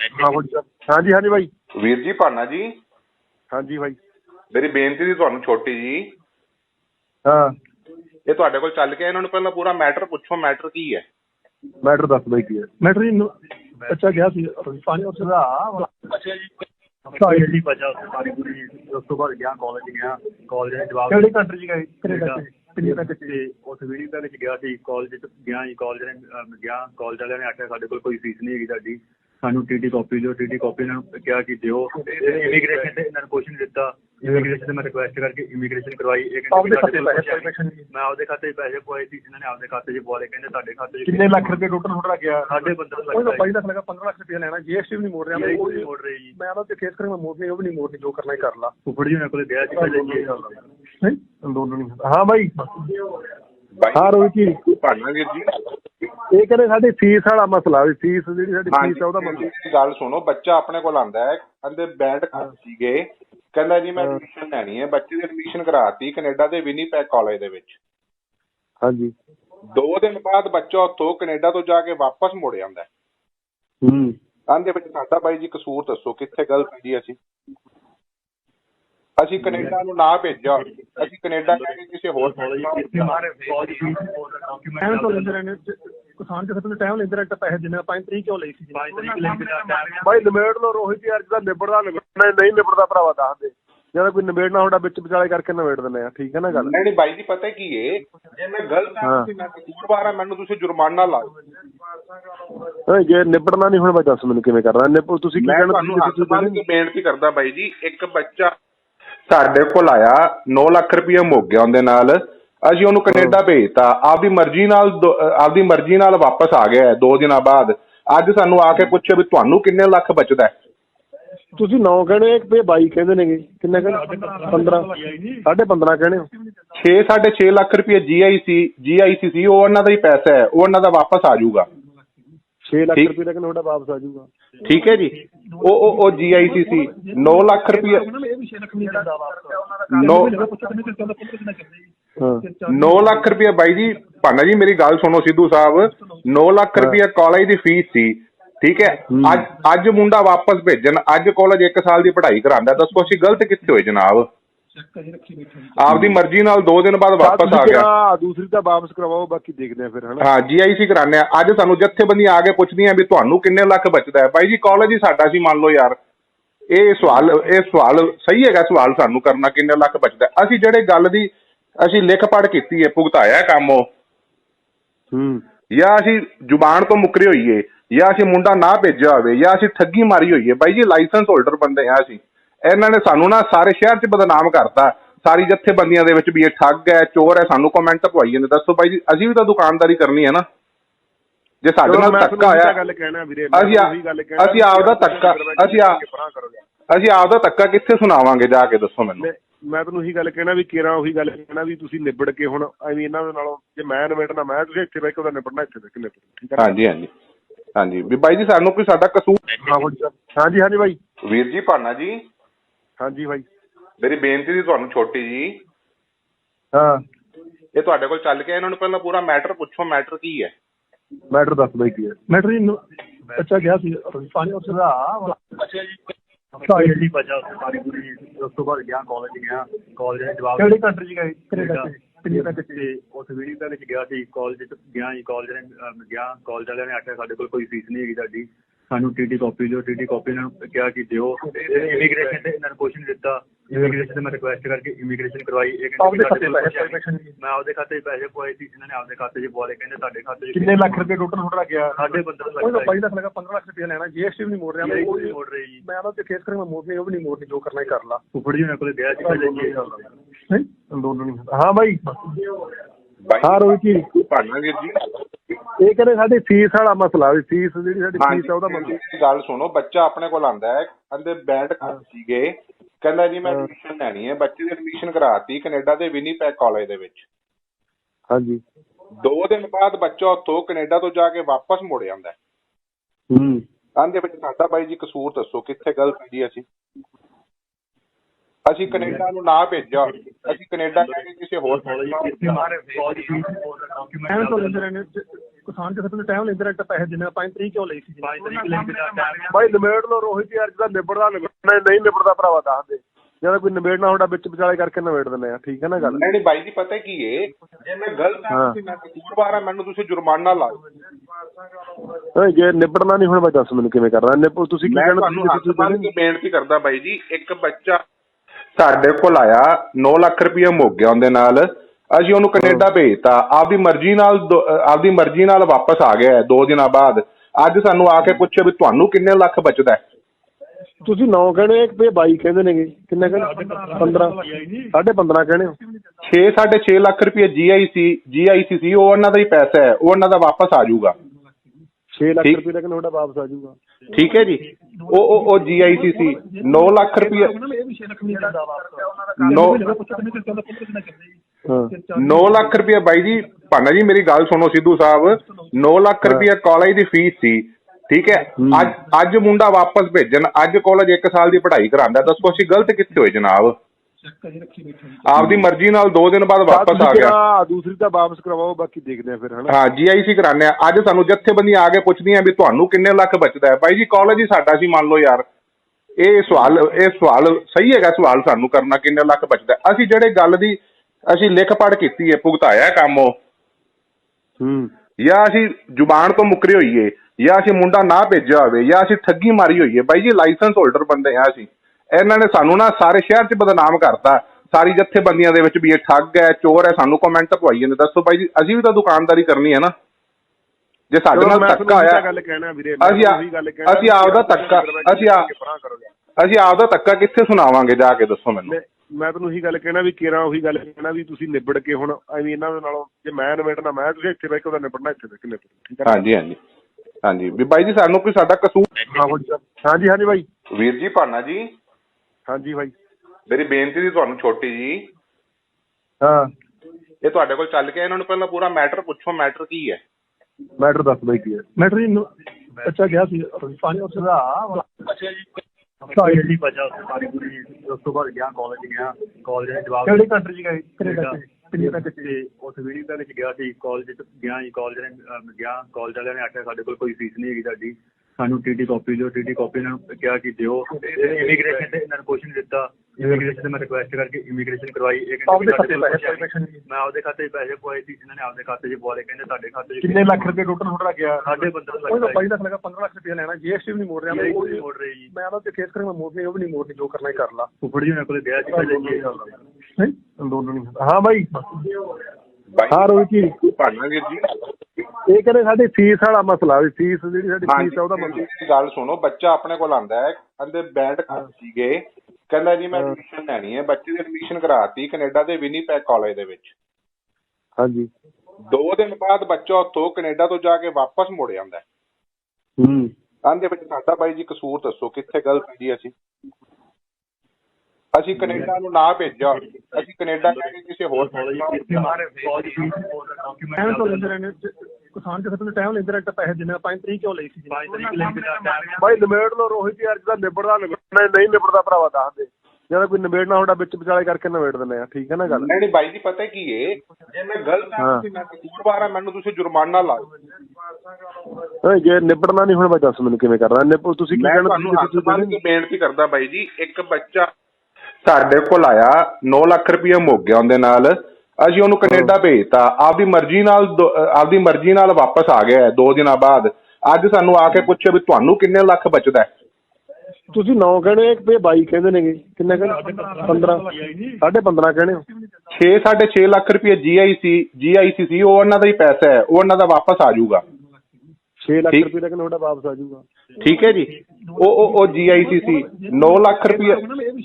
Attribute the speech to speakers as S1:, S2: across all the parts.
S1: हाँ जी भाई।
S2: ਵੀਰ ਜੀ ਭਾਨਾ ਜੀ,
S1: हाँ जी भाई।
S2: ਮੇਰੀ ਬੇਨਤੀ ਸੀ ਤੁਹਾਨੂੰ ਛੋਟੀ ਜੀ।
S1: हाँ
S2: ਇਹ ਤੁਹਾਡੇ ਕੋਲ ਚੱਲ ਕੇ ਇਹਨਾਂ ਨੂੰ ਪਹਿਲਾਂ ਪੂਰਾ ਮੈਟਰ ਪੁੱਛੋ, ਮੈਟਰ ਕੀ ਹੈ।
S1: मैटर दस भाई की है। मैटर जी अच्छा गया सी पानी और सदा अच्छा जी जी बचा पानी पूरी उस तो बाद गया कॉलेज ने जवाब ਕਿਹੜੀ ਕੰਟਰੀ ਚ ਗਏ ਕੈਨੇਡਾ ਕਿੰਨੇ ਤੱਕ ਤੇ ਉਸ ਵੀਡੀਓ ਦੇ ਵਿੱਚ ਗਿਆ ਸੀ ਕਾਲਜ ਚ ਗਿਆ ਜੀ ਕਾਲਜ ਨੇ ਗਿਆ ਕਾਲਜ ਵਾਲਿਆਂ ਨੇ ਆਖਿਆ ਸਾਡੇ ਕੋਲ ਕੋਈ ਫੀਸ ਨਹੀਂ ਹੈਗੀ ਤੁਹਾਡੀ ਸਾਨੂੰ ਟੀਟੀ ਕਾਪੀ ਦਿਓ ਟੀਟੀ ਕਾਪੀ ਇਹਨਾਂ ਨੂੰ ਕਿਹਾ ਕਿ ਦਿਓ ਇਮੀਗ੍ਰੇਸ਼ਨ ਤੇ ਇਹਨਾਂ ਨੂੰ ਕੁਐਸਚਨ ਦਿੱਤਾ ਇਮੀਗ੍ਰੇਸ਼ਨ ਤੇ ਮੈਂ ਰਿਕੁਐਸਟ ਕਰਕੇ ਇਮੀਗ੍ਰੇਸ਼ਨ ਕਰਵਾਈ ਇਹ ਕਹਿੰਦੇ ਮੈਂ ਆਪਦੇ ਖਾਤੇ 'ਚ ਪੈਸੇ ਪਵਾਏ ਸੀ ਇਹਨਾਂ ਨੇ ਆਪਦੇ ਖਾਤੇ 'ਚ ਪਵਾ ਲਏ ਕਹਿੰਦੇ ਤੁਹਾਡੇ ਖਾਤੇ 'ਚ ਕਿੰਨੇ ਲੱਖ ਰੁਪਏ ਟੋਟਲ ਤੁਹਾਡਾ ਗਿਆ 15.5 ਲੱਖ 22 ਲੱਖ ਲਗਾ 15 ਲੱਖ ਰੁਪਏ ਲੈਣਾ ਜੀਐਸਟੀ ਵੀ ਨਹੀਂ ਮੋੜ ਰਿਹਾ ਮੈਂ ਉਹ ਨਹੀਂ ਮੋੜ ਰਹੀ ਜੀ ਮੈਂ ਉਹਨਾਂ ਤੇ ਕੇਸ ਕਰਾਂਗਾ ਮੋੜਨੀ ਉਹ ਵੀ ਨਹੀਂ ਮੋੜਨੀ ਜੋ ਕਰਨਾ ਹੀ ਕਰ ਲਾ ਫੁੱਫੜ ਜੀ ਉਹਨਾਂ ਕੋਲ ਗਿਆ ਸੀ ਅੰਦੋਲਨ ਹਾਂ ਬਾਈ ਹਾਂ ਰੋਹਿਤ ਜੀ
S2: ਭਾਨਾ ਵੀਰ ਜੀ
S1: ਇਹ ਕਹਿੰਦੇ ਸਾਡੀ ਫੀਸ ਵਾਲਾ ਮਸਲਾ ਵੀ ਫੀਸ ਜਿਹੜੀ ਸਾਡੀ ਫੀਸ ਆ ਉਹਦਾ ਮਸਲਾ
S2: ਗੱਲ ਸੁਣੋ। ਬੱਚਾ ਆਪਣੇ ਕੋਲ ਆਂਦਾ ਹੈ ਕਹਿੰਦੇ ਬੈਂਡ ਸੀਗੇ ਕਹਿੰਦਾ ਜੀ ਮੈਂ ਐਡਮਿਸ਼ਨ ਲੈਣੀ ਹੈ। ਬੱਚੇ ਦੀ ਐਡਮਿਸ਼ਨ ਕਰਾਤੀ ਕੈਨੇਡਾ ਦੇ ਵਿਨੀਪੈਗ ਕਾਲਜ ਦੇ ਵਿੱਚ।
S1: ਹਾਂਜੀ
S2: 2 ਦਿਨ ਬਾਅਦ ਬੱਚਾ ਉੱਥੋਂ ਕੈਨੇਡਾ ਤੋਂ ਜਾ ਕੇ ਵਾਪਸ ਮੁੜ ਜਾਂਦਾ। ਕਹਿੰਦੇ ਵਿੱਚ ਸਾਡਾ ਬਾਈ ਜੀ ਕਸੂਰ ਦੱਸੋ ਕਿੱਥੇ ਗਲਤ ਜੀ ਅਸੀਂ ਕੈਨੇਡਾ ਨੂੰ ਨਾ ਭੇਜਿਆ ਅਸੀਂ ਕੈਨੇਡਾ ਜਾ ਕੇ ਕਿਸੇ ਹੋਰ
S1: ਕਿਸਾਨ ਕਿਸੇ ਤੋਂ ਟਾਈਮ ਲੈਂਦੇ ਰਹੇ ਪੈਸੇ ਜਿੰਨੇ 5 ਤਰੀਕ ਕਿਉਂ ਲਈ ਸੀ ਬਾਈ ਨਿਬੇੜ ਲੋ ਰੋਹਿਤ ਯਾਰ ਜਿਹਦਾ ਨਿਬੜਦਾ ਨਹੀਂ ਨਿਬੜਦਾ ਭਰਾਵਾ ਦੱਸ ਦੇ ਜਦੋਂ ਕੋਈ ਨਿਬੇੜਨਾ ਹੁੰਦਾ ਵਿੱਚ ਵਿਚਾਲੇ ਕਰਕੇ ਨਿਬੇੜ ਦਿੰਦੇ ਆ ਠੀਕ ਹੈ ਨਾ ਗੱਲ
S2: ਨਹੀਂ ਬਾਈ ਜੀ ਪਤਾ ਕੀ ਹੈ ਜੇ ਮੈਂ ਗਲਤ ਹਾਂ ਮੈਂ ਕਸੂਰਵਾਰ ਹਾਂ ਮੈਨੂੰ ਤੁਸੀਂ ਜੁਰਮਾਨਾ ਲਾਓ
S1: ਜੇ ਨਿਬੜਨਾ ਨਹੀਂ ਹੁਣ ਬਾਈ ਦੱਸ ਮੈਨੂੰ ਕਿਵੇਂ ਕਰਨਾ ਤੁਸੀਂ ਕੀ ਕਹਿਣਾ
S2: ਬੇਨਤੀ ਕਰਦਾ ਬਾਈ ਜੀ ਇੱਕ ਬੱਚਾ ਸਾਡੇ ਕੋਲ ਆਇਆ 9 ਲੱਖ ਰੁਪਇਆ ਮੁੱਕ ਗਿਆ ਉਹਦੇ ਨਾਲ ਅਸੀਂ ਉਹਨੂੰ ਕੈਨੇਡਾ ਭੇਜਤਾ ਆਪਦੀ ਮਰਜ਼ੀ ਨਾਲ ਵਾਪਸ ਆ ਗਿਆ 2 ਦਿਨਾਂ ਬਾਅਦ। ਅੱਜ ਸਾਨੂੰ ਆ ਕੇ ਪੁੱਛੇ ਵੀ ਤੁਹਾਨੂੰ ਕਿੰਨੇ ਲੱਖ ਬਚਦਾ
S1: ਤੁਸੀਂ 9 ਕਹਿੰਦੇ 22 ਕਹਿੰਦੇ ਨੇਗੇ ਕਿੰਨਾ ਕਹਿੰਦੇ 15 15.5 ਕਹਿੰਦੇ
S2: 6.5 ਲੱਖ ਰੁਪਏ GIC ਸੀ ਉਹ ਉਹਨਾਂ ਦਾ ਹੀ ਪੈਸਾ ਹੈ ਉਹ ਉਹਨਾਂ ਦਾ ਵਾਪਸ ਆ ਜਾਊਗਾ
S1: 6 ਲੱਖ ਰੁਪਏ ਦਾ ਤੁਹਾਡਾ ਵਾਪਸ ਆ ਜਾਊਗਾ
S2: ਠੀਕ ਹੈ ਜੀ। ਉਹ GIC ਸੀ 9 ਲੱਖ ਰੁਪਏ 9 ਲੱਖ ਰੁਪਏ ਬਾਈ ਜੀ ਭਾਨਾ ਜੀ ਮੇਰੀ ਗੱਲ ਸੁਣੋ ਸਿੱਧੂ ਸਾਹਿਬ 9 ਲੱਖ ਰੁਪਏ ਕਾਲਜ ਦੀ ਫੀਸ ਸੀ ਠੀਕ ਹੈ। ਅੱਜ ਮੁੰਡਾ ਵਾਪਸ ਭੇਜਣ ਅੱਜ ਕਾਲਜ 1 ਸਾਲ ਦੀ ਪੜ੍ਹਾਈ ਕਰਾਉਂਦਾ ਦੱਸੋ ਅਸੀਂ ਗਲਤ ਕਿੱਥੇ ਹੋਏ ਜਨਾਬ। ਆਪਦੀ ਮਰਜ਼ੀ ਨਾਲ 2 ਦਿਨ ਬਾਅਦ ਵਾਪਸ ਆ ਗਿਆ
S1: ਦੂਸਰੀ ਤਾਂ ਵਾਪਸ ਕਰਵਾਓ ਬਾਕੀ ਦੇਖਦੇ ਆ ਫਿਰ ਹਨਾ
S2: ਹਾਂ GIC ਕਰਾਉਂਦੇ ਆ। ਅੱਜ ਸਾਨੂੰ ਜੱਥੇਬੰਦੀਆਂ ਆ ਕੇ ਪੁੱਛਦੀਆਂ ਵੀ ਤੁਹਾਨੂੰ ਕਿੰਨੇ ਲੱਖ ਬਚਦਾ ਹੈ। ਬਾਈ ਜੀ ਕਾਲਜ ਹੀ ਸਾਡਾ ਸੀ ਮੰਨ ਲਓ ਯਾਰ ਇਹ ਸਵਾਲ ਸਹੀ ਹੈਗਾ ਸਵਾਲ ਸਾਨੂੰ ਕਰਨਾ ਕਿੰਨੇ ਲੱਖ ਬਚਦਾ। ਅਸੀਂ ਜਿਹੜੇ ਗੱਲ ਦੀ ਅਸੀਂ ਲਿਖ ਪੜ੍ਹ ਕੀਤੀ ਹੈ ਭੁਗਤਾਇਆ ਕੰਮ ਉਹ ਜਾਂ ਅਸੀਂ ਜ਼ੁਬਾਨ ਤੋਂ ਮੁੱਕਰੇ ਹੋਈਏ ਜਾਂ ਅਸੀਂ ਮੁੰਡਾ ਨਾ ਭੇਜਿਆ ਹੋਵੇ ਜਾਂ ਅਸੀਂ ਠੱਗੀ ਮਾਰੀ ਹੋਈ ਹੈ। ਬਾਈ ਜੀ ਲਾਇਸੈਂਸ ਹੋਲਡਰ ਬੰਦੇ ਆ ਅਸੀਂ ਇਹਨਾਂ ਨੇ ਸਾਨੂੰ ਨਾ ਸਾਰੇ ਸ਼ਹਿਰ 'ਚ ਬਦਨਾਮ ਕਰਤਾ ਸਾਰੀ ਜੱਥੇਬੰਦੀਆਂ ਦੇ ਵਿੱਚ ਵੀ ਇਹ ਠੱਗ ਹੈ ਚੋਰ ਹੈ ਸਾਨੂੰ ਕਮੈਂਟ ਪਵਾਈ ਜਾਂਦੇ। ਦੱਸੋ ਬਾਈ ਜੀ ਅਸੀਂ ਵੀ ਤਾਂ ਦੁਕਾਨਦਾਰੀ ਕਰਨੀ ਹੈ ਨਾ ਜੇ ਸਾਡੇ ਨਾਲ ਧੱਕਾ ਹੋਇਆ ਅਸੀਂ ਆਪਦਾ ਧੱਕਾ ਕਿੱਥੇ ਸੁਣਾਵਾਂਗੇ ਜਾ ਕੇ ਦੱਸੋ ਮੈਨੂੰ।
S1: ਮੈਂ ਤੁਹਾਨੂੰ ਉਹੀ ਗੱਲ ਕਹਿਣਾ ਵੀ ਕੇਰਾਂ ਉਹੀ ਗੱਲ ਕਹਿਣਾ ਵੀ ਤੁਸੀਂ ਨਿਬੜ ਕੇ ਹੁਣ ਐਵੇਂ ਇਹਨਾਂ ਦੇ ਨਾਲੋਂ ਜੇ ਮੈਂ ਨਿਬੜਨਾ ਮੈਂ ਤੁਸੀਂ ਇੱਥੇ ਬਹਿ ਕੇ ਉਹਦਾ ਨਿਬੜਨਾ ਇੱਥੇ ਬਹਿ ਕੇ ਨਿਬੜ।
S2: ਹਾਂਜੀ ਵੀ ਬਾਈ ਜੀ ਸਾਨੂੰ ਕੋਈ ਸਾਡਾ ਕਸੂਰ
S1: ਹਾਂਜੀ ਬਾਈ
S2: ਵੀਰ ਜੀ ਭਾਨਾ ਜੀ
S1: ਹਾਂਜੀ ਬਾਈ
S2: ਮੇਰੀ ਬੇਨਤੀ ਸੀ ਤੁਹਾਨੂੰ ਛੋਟੀ ਜੀ।
S1: ਹਾਂ
S2: ਇਹ ਤੁਹਾਡੇ ਕੋਲ ਚੱਲ ਕੇ ਇਹਨਾਂ ਨੂੰ ਪਹਿਲਾਂ ਪੂਰਾ ਮੈਟਰ ਪੁੱਛੋ ਮੈਟਰ ਕੀ ਹੈ।
S1: ਮੈਟਰ ਦੱਸ ਬਾਈ ਕੀ ਹੈ। ਮੈਟਰ ਜੀ ਅੱਛਾ ਗਿਆ ਸੀ ਪਾਣੀ ਔਰ ਸਦਾ ਅੱਛਾ ਜੀ ਬਚਾ ਪਾਣੀ ਪੂਰੀ ਉਸ ਤੋਂ ਬਾਅਦ ਗਿਆ ਕਾਲਜ ਨੇ ਜਵਾਬ ਕਿਹੜੀ ਕੰਟਰੀ ਚ ਗਏ ਕੈਨੇਡਾ ਕਿੰਨੇ ਤੱਕ ਤੇ ਉਸ ਵੀਡੀਓ ਦੇ ਵਿੱਚ ਗਿਆ ਸੀ ਕਾਲਜ ਚ ਗਿਆ ਜੀ ਕਾਲਜ ਨੇ ਕਾਲਜ ਵਾਲਿਆਂ ਨੇ ਆਖਿਆ ਸਾਡੇ ਕੋਲ ਕੋਈ ਫੀਸ ਨਹੀਂ ਹੈਗੀ ਤੁਹਾਡੀ ਸਾਨੂੰ ਟੀਟੀ ਕਾਪੀ ਦਿਓ ਟੀਟੀ ਕਾਪੀ ਇਹਨਾਂ ਨੂੰ ਕਿਹਾ ਕਿ ਦਿਓ ਇਮੀਗ੍ਰੇਸ਼ਨ ਤੇ ਇਹਨਾਂ ਨੂੰ ਕੁਐਸਚਨ ਦਿੱਤਾ ਇਮੀਗ੍ਰੇਸ਼ਨ ਤੇ ਮੈਂ ਰਿਕੁਐਸਟ ਕਰਕੇ ਇਮੀਗ੍ਰੇਸ਼ਨ ਕਰਵਾਈ ਇਹ ਕਹਿੰਦੇ ਮੈਂ ਆਪਦੇ ਖਾਤੇ 'ਚ ਪੈਸੇ ਪਵਾਏ ਸੀ ਇਹਨਾਂ ਨੇ ਆਪਦੇ ਖਾਤੇ 'ਚ ਪਵਾ ਲਏ ਕਹਿੰਦੇ ਤੁਹਾਡੇ ਖਾਤੇ 'ਚ ਕਿੰਨੇ ਲੱਖ ਰੁਪਏ ਟੋਟਲ ਤੁਹਾਡਾ ਗਿਆ 15.5 ਲੱਖ 22 ਲੱਖ ਲਗਾ 15 ਲੱਖ ਰੁਪਏ ਲੈਣਾ ਜੀਐਸਟੀ ਵੀ ਨਹੀਂ ਮੋੜ ਰਿਹਾ ਮੈਂ ਉਹ ਨਹੀਂ ਮੋੜ ਰਹੀ ਜੀ ਮੈਂ ਉਹਨਾਂ ਤੇ ਕੇਸ ਕਰਾਂਗਾ ਮੋੜਨੀ ਉਹ ਵੀ ਨਹੀਂ ਮੋੜਨੀ ਜੋ ਕਰਨਾ ਹੀ ਕਰ ਲਾ ਫੁੱਫੜ ਜੀ ਉਹਨਾਂ ਕੋਲ ਗਿਆ ਸੀ ਅੰਦੋਲਨ ਹਾਂ ਬਾਈ ਹਾਂ ਰੋਹਿਤ ਜੀ
S2: ਭਾਨਾ ਵੀਰ ਜੀ
S1: ਇਹ ਕਹਿੰਦੇ ਸਾਡੀ ਫੀਸ ਵਾਲਾ ਮਸਲਾ ਵੀ ਫੀਸ ਜਿਹੜੀ ਸਾਡੀ ਫੀਸ ਆ ਉਹਦਾ ਮਸਲਾ
S2: ਗੱਲ ਸੁਣੋ। ਬੱਚਾ ਆਪਣੇ ਕੋਲ ਆਂਦਾ ਹੈ ਕਹਿੰਦੇ ਬੈਂਡ ਸੀਗੇ ਕਹਿੰਦਾ ਜੀ ਮੈਂ ਐਡਮਿਸ਼ਨ ਲੈਣੀ ਹੈ। ਬੱਚੇ ਦੀ ਐਡਮਿਸ਼ਨ ਕਰਾਤੀ ਕੈਨੇਡਾ ਦੇ ਵਿਨੀਪੈਗ ਕਾਲਜ ਦੇ ਵਿੱਚ।
S1: ਹਾਂਜੀ
S2: 2 ਦਿਨ ਬਾਅਦ ਬੱਚਾ ਉੱਥੋਂ ਕੈਨੇਡਾ ਤੋਂ ਜਾ ਕੇ ਵਾਪਸ ਮੁੜ ਜਾਂਦਾ। ਕਹਿੰਦੇ ਵਿੱਚ ਸਾਡਾ ਬਾਈ ਜੀ ਕਸੂਰ ਦੱਸੋ ਕਿੱਥੇ ਗਲਤ ਜੀ ਅਸੀਂ। ਅਸੀਂ ਕੈਨੇਡਾ ਨੂੰ ਨਾ ਭੇਜਿਆ, ਅਸੀਂ ਕੈਨੇਡਾ ਕਹਿ ਕੇ ਕਿਸੇ ਹੋਰ
S1: ਐਵੇਂ ਤੋਂ ਲੈਂਦੇ ਰਹਿੰਦੇ ਕਿਸਾਨ ਕਿਸੇ ਤੋਂ ਟਾਈਮ ਲੈਂਦੇ ਰਹਿੰਦੇ ਪੈਸੇ ਦਿੰਦੇ 5 ਤਰੀਕ ਕਿਉਂ ਲਈ ਸੀ
S3: ਬਾਈ ਨਿਬੇੜ ਲੋ ਰੋਹਿਤ ਯਾਰ ਜਿਹਦਾ ਨਿਬੜਦਾ ਨਹੀਂ ਨਿਬੜਦਾ ਭਰਾਵਾ ਦੱਸ ਦੇ ਜਦੋਂ ਕੋਈ ਨਿਬੇੜਨਾ ਹੁੰਦਾ ਵਿੱਚ ਵਿਚਾਲੇ ਕਰਕੇ ਨਿਬੇੜ ਦਿੰਦੇ ਆ ਠੀਕ ਹੈ ਨਾ ਗੱਲ
S2: ਨਹੀਂ ਬਾਈ ਜੀ ਪਤਾ ਕੀ ਏ ਜੇ ਮੈਂ ਗਲਤ ਹਾਂ ਮੈਂ ਕਸੂਰਵਾਰ ਹਾਂ ਮੈਨੂੰ ਤੁਸੀਂ ਜੁਰਮਾਨਾ ਲਾਓ
S3: ਜੇ ਨਿਬੜਨਾ ਨਹੀਂ ਹੁਣ ਬਾਈ ਦੱਸ ਮੈਨੂੰ ਕਿਵੇਂ ਕਰਨਾ ਤੁਸੀਂ ਕੀ
S2: ਕਹਿਣਾ ਬੇਨਤੀ ਕਰਦਾ ਬਾਈ ਜੀ ਇੱਕ ਬੱਚਾ ਸਾਡੇ ਕੋਲ ਆਇਆ 9 ਲੱਖ ਰੁਪਇਆ ਮੁੱਕ ਗਿਆ ਉਹਦੇ ਨਾਲ ਅਸੀਂ ਉਹਨੂੰ ਕੈਨੇਡਾ ਭੇਜਤਾ ਆਪਦੀ ਮਰਜ਼ੀ ਨਾਲ ਵਾਪਸ ਆ ਗਿਆ 2 ਦਿਨਾਂ ਬਾਅਦ ਅੱਜ ਸਾਨੂੰ ਆ ਕੇ ਪੁੱਛੇ ਵੀ ਤੁਹਾਨੂੰ ਕਿੰਨੇ ਲੱਖ ਬਚਦਾ
S3: ਤੁਸੀਂ 9 ਕਹਿੰਦੇ ਇੱਕ 22 ਕਹਿੰਦੇ ਨੇਗੇ ਕਿੰਨੇ ਕਹਿੰਦੇ 15 15.5 ਕਹਿੰਦੇ ਹੋ
S2: 6.5 ਲੱਖ ਰੁਪਏ GIC ਸੀ ਉਹ ਉਹਨਾਂ ਦਾ ਹੀ ਪੈਸਾ ਹੈ ਉਹ ਉਹਨਾਂ ਦਾ ਵਾਪਸ ਆ ਜਾਊਗਾ
S3: 6 ਲੱਖ ਰੁਪਏ ਦਾ ਤੁਹਾਡਾ ਵਾਪਸ ਆ ਜਾਊਗਾ
S2: ਠੀਕ ਹੈ ਜੀ ਉਹ GIC ਸੀ 9 ਲੱਖ ਰੁਪਏ 9 ਲੱਖ ਰੁਪਏ ਬਾਈ ਜੀ ਭਾਨਾ ਜੀ ਮੇਰੀ ਗੱਲ ਸੁਣੋ ਸਿੱਧੂ ਸਾਹਿਬ 9 ਲੱਖ ਰੁਪਏ ਕਾਲਜ ਦੀ ਫੀਸ ਸੀ ਠੀਕ ਹੈ ਅੱਜ ਮੁੰਡਾ ਵਾਪਸ ਭੇਜਣ ਅੱਜ ਕਾਲਜ 1 ਸਾਲ ਦੀ ਪੜ੍ਹਾਈ ਕਰਾਉਂਦਾ ਦੱਸੋ ਅਸੀਂ ਗਲਤ ਕਿੱਥੇ ਹੋਏ ਜਨਾਬ ਆਪਦੀ ਮਰਜ਼ੀ ਨਾਲ 2 ਦਿਨ ਬਾਅਦ ਵਾਪਸ ਆ ਗਿਆ
S3: ਦੂਸਰੀ ਤਾਂ ਵਾਪਸ ਕਰਵਾਓ ਬਾਕੀ ਦੇਖਦੇ ਆ ਫਿਰ ਹਨਾ
S2: ਹਾਂ GIC ਕਰਾਉਂਦੇ ਆ ਅੱਜ ਸਾਨੂੰ ਜੱਥੇਬੰਦੀਆਂ ਆ ਕੇ ਪੁੱਛਦੀਆਂ ਵੀ ਤੁਹਾਨੂੰ ਕਿੰਨੇ ਲੱਖ ਬਚਦਾ ਹੈ ਬਾਈ ਜੀ ਕਾਲਜ ਹੀ ਸਾਡਾ ਸੀ ਮੰਨ ਲਓ ਯਾਰ ਇਹ ਸਵਾਲ ਸਹੀ ਹੈਗਾ ਸਵਾਲ ਸਾਨੂੰ ਕਰਨਾ ਕਿੰਨੇ ਲੱਖ ਬਚਦਾ ਅਸੀਂ ਜਿਹੜੇ ਗੱਲ ਦੀ ਅਸੀਂ ਲਿਖ ਪੜ੍ਹ ਕੀਤੀ ਹੈ ਭੁਗਤਾਇਆ ਕੰਮ ਉਹ ਜਾਂ ਅਸੀਂ ਜ਼ੁਬਾਨ ਤੋਂ ਮੁੱਕਰੇ ਹੋਈਏ ਜਾਂ ਅਸੀਂ ਮੁੰਡਾ ਨਾ ਭੇਜਿਆ ਹੋਵੇ ਜਾਂ ਅਸੀਂ ਠੱਗੀ ਮਾਰੀ ਹੋਈਏ ਬਾਈ ਜੀ ਲਾਇਸੈਂਸ ਹੋਲਡਰ ਬੰਦੇ ਆ ਅਸੀਂ ਇਹਨਾਂ ਨੇ ਸਾਨੂੰ ਨਾ ਸਾਰੇ ਸ਼ਹਿਰ 'ਚ ਬਦਨਾਮ ਕਰਤਾ ਸਾਰੀ ਜੱਥੇਬੰਦੀਆਂ ਦੇ ਵਿੱਚ ਵੀ ਇਹ ਠੱਗ ਹੈ ਚੋਰ ਹੈ ਸਾਨੂੰ ਕਮੈਂਟ ਪਵਾਈ ਜਾਂਦੇ ਦੱਸੋ ਬਾਈ ਜੀ ਅਸੀਂ ਵੀ ਤਾਂ ਦੁਕਾਨਦਾਰੀ ਕਰਨੀ ਹੈ ਨਾ ਜੇ ਸਾਡੇ ਨਾਲ ਧੱਕਾ ਆਇਆ ਅਸੀਂ ਆਪਦਾ ਧੱਕਾ ਕਿੱਥੇ ਸੁਣਾਵਾਂਗੇ ਜਾ ਕੇ ਦੱਸੋ ਮੈਨੂੰ
S3: ਮੈਂ ਤੁਹਾਨੂੰ ਇਹੀ ਗੱਲ ਕਹਿਣਾ ਵੀ ਕੇਰਾਂ ਉਹੀ ਗੱਲ ਕਹਿਣਾ ਵੀ ਤੁਸੀਂ ਨਿਬੜ ਕੇ ਹੁਣ ਐਵੇਂ ਇਹਨਾਂ ਦੇ ਨਾਲੋਂ ਜੇ ਮੈਂ ਨਿਬੜਨਾ ਮੈਂ ਤੁਸੀਂ ਇੱਥੇ ਬਹਿ ਕੇ ਉਹਦਾ ਨਿਬੜਨਾ ਇੱਥੇ ਬਹਿ ਕੇ ਨਿਬੜ
S2: ਹਾਂਜੀ ਵੀ ਬਾਈ ਜੀ ਸਾਨੂੰ ਕੋਈ ਸਾਡਾ ਕਸੂਰ
S3: ਹਾਂਜੀ ਬਾਈ
S2: ਵੀਰ ਜੀ ਭਾਨਾ ਜੀ
S3: ਹਾਂਜੀ ਬਾਈ
S2: ਮੇਰੀ ਬੇਨਤੀ ਸੀ ਤੁਹਾਨੂੰ ਛੋਟੀ ਜੀ ਇਹ ਤੁਹਾਡੇ ਕੋਲ ਚੱਲ ਕੇ ਇਹਨਾਂ ਨੂੰ ਪਹਿਲਾਂ ਪੂਰਾ ਮੈਟਰ ਪੁੱਛੋ ਮੈਟਰ ਕੀ ਹੈ
S3: ਮੈਟਰ ਦੱਸ ਬਾਈ ਕੀ ਹੈ
S1: ਮੈਟਰ ਬੱਚਾ ਗਿਆ ਸੀ ਪਾਣੀ ਉਸ ਦਾ ਅੱਛਾ ਜੀ ਬਚਾ ਸਾਰੀ ਪੂਰੀ ਉਸ ਤੋਂ ਬਾਅਦ ਗਿਆ ਕਾਲਜ ਦੇ ਜਵਾਬ ਕਿਹੜੀ ਕੰਟਰੀ 'ਚ ਗਏ ਕੈਨੇਡਾ ਤੇ ਉਸ ਵੀਡੀਓ ਦੇ ਵਿੱਚ ਗਿਆ ਸੀ ਕਾਲਜ 'ਚ ਗਿਆ ਜੀ ਕਾਲਜ ਵਾਲਿਆਂ ਨੇ ਆਖਿਆ ਸਾਡੇ ਕੋਲ ਕੋਈ ਫੀਸ ਨਹੀਂ ਹੈਗੀ ਤੁਹਾਡੀ ਸਾਨੂੰ TT ਕਾਪੀ ਦਿਓ TT ਕਾਪੀ ਇਹਨਾਂ ਨੂੰ ਕਿਹਾ ਕਿ ਦਿਓ ਇਮੀਗ੍ਰੇਸ਼ਨ ਤੇ ਇਹਨਾਂ ਨੂੰ ਕੁਛ ਨਹੀਂ ਦਿੱਤਾ ਇਮੀਗ੍ਰੇਸ਼ਨ ਤੇ ਮੈਂ ਰਿਕੁਐਸਟ ਕਰਕੇ ਇਮੀਗ੍ਰੇਸ਼ਨ ਕਰਵਾਈ ਇਹ ਕਹਿੰਦੇ ਮੈਂ ਆਪਦੇ ਖਾਤੇ 'ਚ ਪੈਸੇ ਪਵਾਏ ਸੀ ਇਹਨਾਂ ਨੇ ਆਪਦੇ ਖਾਤੇ 'ਚ ਪਵਾ ਲਏ ਕਹਿੰਦੇ ਤੁਹਾਡੇ ਖਾਤੇ 'ਚ
S3: ਕਿੰਨੇ ਲੱਖ ਰੁਪਏ ਟੋਟਲ ਤੁਹਾਡਾ ਗਿਆ
S1: 15.5 ਲੱਖ
S3: ਲੱਗਾ 15 ਲੱਖ ਰੁਪਏ ਲੈਣਾ GST ਵੀ ਨਹੀਂ ਮੋੜ ਰਿਹਾ
S1: ਮੋੜ ਰਹੀ ਜੀ
S3: ਮੈਂ ਉਹਦੇ ਕੇਸ ਕਰਾਂਗਾ ਮੋੜਨੀ ਉਹ ਵੀ ਨਹੀਂ ਮੋੜਨੀ ਜੋ ਕਰਨਾ ਹੀ ਕਰ ਲਾ
S1: ਫੁੱਫੜ ਜੀ ਮੇਰੇ ਕੋਲ ਗਿਆ ਸੀ
S3: ਅੰਦੋਲਨ ਹਾਂ ਬਾਈ ਹਾਂ ਰੋਹਿਤ ਜੀ
S2: ਭਾਨਾ ਵੀਰ ਜੀ
S3: ਇਹ ਕਹਿੰਦੇ ਸਾਡੀ ਫੀਸ ਵਾਲਾ ਮਸਲਾ ਵੀ ਫੀਸ ਜਿਹੜੀ ਸਾਡੀ ਫੀਸ ਆ ਉਹਦਾ ਮਸਲਾ
S2: ਗੱਲ ਸੁਣੋ ਬੱਚਾ ਆਪਣੇ ਕੋਲ ਆਂਦਾ ਹੈ ਕਹਿੰਦੇ ਬੈਂਡ ਸੀਗੇ ਕਹਿੰਦਾ ਜੀ ਮੈਂ ਐਡਮਿਸ਼ਨ ਲੈਣੀ ਹੈ ਬੱਚੇ ਦੀ ਐਡਮਿਸ਼ਨ ਕਰਾਤੀ ਕੈਨੇਡਾ ਦੇ ਵਿਨੀਪੈਗ ਕਾਲਜ ਦੇ ਵਿੱਚ
S3: ਹਾਂਜੀ
S2: 2 ਦਿਨ ਬਾਅਦ ਬੱਚਾ ਉੱਥੋਂ ਕੈਨੇਡਾ ਤੋਂ ਜਾ ਕੇ ਵਾਪਸ ਮੁੜ ਜਾਂਦਾ ਆਂਦੇ ਵਿੱਚ ਸਾਡਾ ਬਾਈ ਜੀ ਕਸੂਰ ਦੱਸੋ ਕਿੱਥੇ ਗਲਤ ਜੀ ਅਸੀਂ ਕੈਨੇਡਾ ਨੂੰ ਨਾ ਭੇਜਿਆ ਅਸੀਂ ਕੈਨੇਡਾ ਕਹਿ ਕੇ ਕਿਸੇ ਹੋਰ
S1: ਐਵੇਂ ਤੋਂ ਲੈਂਦੇ ਰਹਿੰਦੇ ਕਿਸਾਨ ਕਿਸੇ ਤੋਂ ਟਾਈਮ ਲੈਂਦੇ ਰਹਿੰਦੇ ਪੈਸੇ ਦਿੰਦੇ 5 ਤਰੀਕ ਕਿਉਂ ਲਈ ਸੀ
S3: ਬਾਈ ਨਿਬੇੜ ਲੋ ਰੋਹਿਤ ਯਾਰ ਜਿਹਦਾ ਨਿਬੜਦਾ ਨਹੀਂ ਨਿਬੜਦਾ ਭਰਾਵਾ ਦੱਸ ਦੇ ਜਦੋਂ ਕੋਈ ਨਿਬੇੜਨਾ ਹੁੰਦਾ ਵਿੱਚ ਵਿਚਾਲੇ ਕਰਕੇ ਨਿਬੇੜ ਦਿੰਦੇ ਆ ਠੀਕ ਹੈ ਨਾ ਗੱਲ
S2: ਨਹੀਂ ਬਾਈ ਜੀ ਪਤਾ ਕੀ ਏ ਜੇ ਮੈਂ ਗਲਤ ਹਾਂ ਮੈਂ ਕਸੂਰਵਾਰ ਹਾਂ ਮੈਨੂੰ ਤੁਸੀਂ ਜੁਰਮਾਨਾ ਲਾਓ
S3: ਜੇ ਨਿਬੜਨਾ ਨਹੀਂ ਹੁਣ ਬਾਈ ਦੱਸ ਮੈਨੂੰ ਕਿਵੇਂ ਕਰਨਾ ਤੁਸੀਂ ਕੀ ਕਹਿਣਾ
S2: ਬੇਨਤੀ ਕਰਦਾ ਬਾਈ ਜੀ ਇੱਕ ਬੱਚਾ ਸਾਡੇ ਕੋਲ ਆਇਆ 9 ਲੱਖ ਰੁਪਇਆ ਮੁੱਕ ਗਿਆ ਉਹਦੇ ਨਾਲ ਅਸੀਂ ਉਹਨੂੰ ਕੈਨੇਡਾ ਭੇਜਤਾ ਆਪਦੀ ਮਰਜ਼ੀ ਨਾਲ ਵਾਪਸ ਆ ਗਿਆ 2 ਦਿਨਾਂ ਬਾਅਦ ਅੱਜ ਸਾਨੂੰ ਆ ਕੇ ਪੁੱਛੇ ਵੀ ਤੁਹਾਨੂੰ ਕਿੰਨੇ ਲੱਖ ਬਚਦਾ
S3: ਤੁਸੀਂ 9 ਕਹਿੰਦੇ ਇੱਕ 22 ਕਹਿੰਦੇ ਨੇਗੇ ਕਿੰਨੇ ਕਹਿੰਦੇ 15 15.5 ਕਹਿੰਦੇ ਹੋ
S2: 6.5 ਲੱਖ ਰੁਪਏ GIC ਸੀ ਉਹ ਉਹਨਾਂ ਦਾ ਹੀ ਪੈਸਾ ਹੈ ਉਹ ਉਹਨਾਂ ਦਾ ਵਾਪਸ ਆ ਜਾਊਗਾ
S3: 6 ਲੱਖ ਰੁਪਏ ਦਾ ਤੁਹਾਡਾ ਵਾਪਸ ਆ ਜਾਊਗਾ
S2: ਠੀਕ ਹੈ ਜੀ ਉਹ GIC ਸੀ 9 ਲੱਖ ਰੁਪਏ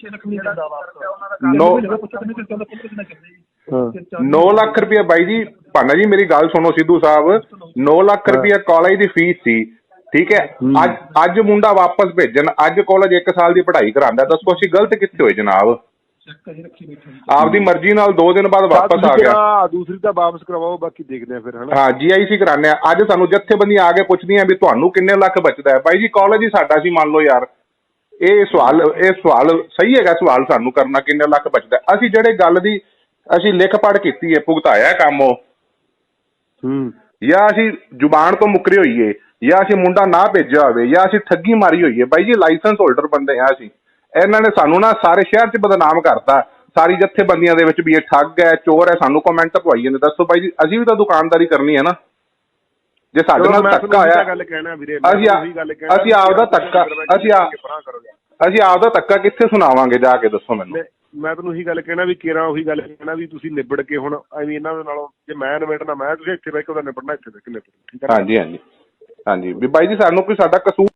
S2: 9 ਲੱਖ ਰੁਪਏ ਬਾਈ ਜੀ ਭਾਨਾ ਜੀ ਮੇਰੀ ਗੱਲ ਸੁਣੋ ਸਿੱਧੂ ਸਾਹਿਬ 9 ਲੱਖ ਰੁਪਏ ਕਾਲਜ ਦੀ ਫੀਸ ਸੀ ਠੀਕ ਹੈ ਅੱਜ ਮੁੰਡਾ ਵਾਪਸ ਭੇਜਣ ਅੱਜ ਕਾਲਜ 1 ਸਾਲ ਦੀ ਪੜ੍ਹਾਈ ਕਰਾਉਂਦਾ ਦੱਸੋ ਅਸੀਂ ਗਲਤ ਕਿੱਥੇ ਹੋਏ ਜਨਾਬ ਆਪਦੀ ਮਰਜ਼ੀ ਨਾਲ 2 ਦਿਨ ਬਾਅਦ ਵਾਪਸ ਆ ਗਿਆ
S3: ਦੂਸਰੀ ਤਾਂ ਵਾਪਸ ਕਰਵਾਓ ਬਾਕੀ ਦੇਖਦੇ ਆ ਫਿਰ ਹਨਾ
S2: ਹਾਂ GIC ਕਰਾਉਂਦੇ ਆ ਅੱਜ ਸਾਨੂੰ ਜੱਥੇਬੰਦੀਆਂ ਆ ਕੇ ਪੁੱਛਦੀਆਂ ਵੀ ਤੁਹਾਨੂੰ ਕਿੰਨੇ ਲੱਖ ਬਚਦਾ ਹੈ ਬਾਈ ਜੀ ਕਾਲਜ ਹੀ ਸਾਡਾ ਸੀ ਮੰਨ ਲਓ ਯਾਰ ਇਹ ਸਵਾਲ ਸਹੀ ਹੈਗਾ ਸਵਾਲ ਸਾਨੂੰ ਕਰਨਾ ਕਿੰਨੇ ਲੱਖ ਬਚਦਾ। ਅਸੀਂ ਜਿਹੜੇ ਗੱਲ ਦੀ ਅਸੀਂ ਲਿਖ ਪੜ੍ਹ ਕੀਤੀ ਹੈ, ਭੁਗਤਾਇਆ ਕੰਮ ਉਹ, ਜਾਂ ਅਸੀਂ ਜ਼ੁਬਾਨ ਤੋਂ ਮੁੱਕਰੇ ਹੋਈਏ, ਜਾਂ ਅਸੀਂ ਮੁੰਡਾ ਨਾ ਭੇਜਿਆ ਹੋਵੇ, ਜਾਂ ਅਸੀਂ ਠੱਗੀ ਮਾਰੀ ਹੋਈਏ। ਬਾਈ ਜੀ ਲਾਇਸੈਂਸ ਹੋਲਡਰ ਬੰਦੇ ਆ ਅਸੀਂ। ਇਹਨਾਂ ਨੇ ਸਾਨੂੰ ਨਾ ਸਾਰੇ ਸ਼ਹਿਰ 'ਚ ਬਦਨਾਮ ਕਰਤਾ, ਸਾਰੀ ਜਥੇਬੰਦੀਆਂ ਦੇ ਵਿੱਚ ਵੀ ਇਹ ਠੱਗ ਹੈ, ਚੋਰ ਹੈ। ਸਾਨੂੰ ਕਮੈਂਟ ਪਵਾਈ ਜਾਂਦੇ। ਦੱਸੋ ਬਾਈ ਜੀ, ਅਸੀਂ ਵੀ ਤਾਂ ਦੁਕਾਨਦਾਰੀ ਕਰਨੀ ਹੈ ਨਾ। ਜੇ ਸਾਡੇ ਨਾਲ ਧੱਕਾ ਹੋਇਆ, ਅਸੀਂ ਆਪਦਾ ਧੱਕਾ ਅਸੀਂ ਆਪਦਾ ਧੱਕਾ ਕਿੱਥੇ ਸੁਣਾਵਾਂਗੇ ਜਾ ਕੇ, ਦੱਸੋ ਮੈਨੂੰ।
S3: ਮੈਂ ਤੁਹਾਨੂੰ ਉਹੀ ਗੱਲ ਕਹਿਣਾ ਵੀ ਕੇਰਾਂ ਉਹੀ ਗੱਲ ਕਹਿਣਾ ਵੀ ਤੁਸੀਂ ਨਿਬੜ ਕੇ ਹੁਣ ਐਵੇਂ ਇਹਨਾਂ ਦੇ ਨਾਲੋਂ ਜੇ ਮੈਂ ਨਿਬੜਨਾ ਮੈਂ ਤੁਸੀਂ ਇੱਥੇ ਬਹਿ ਕੇ ਉਹਦਾ ਨਿਬੜਨਾ ਇੱਥੇ ਬਹਿ ਕੇ ਨਿਬੜੋ। ਠੀਕ ਹੈ।
S2: ਹਾਂਜੀ ਹਾਂਜੀ ਹਾਂਜੀ ਵੀ ਬਾਈ ਜੀ ਸਾਨੂੰ ਕੋਈ ਸਾਡਾ ਕਸੂਰ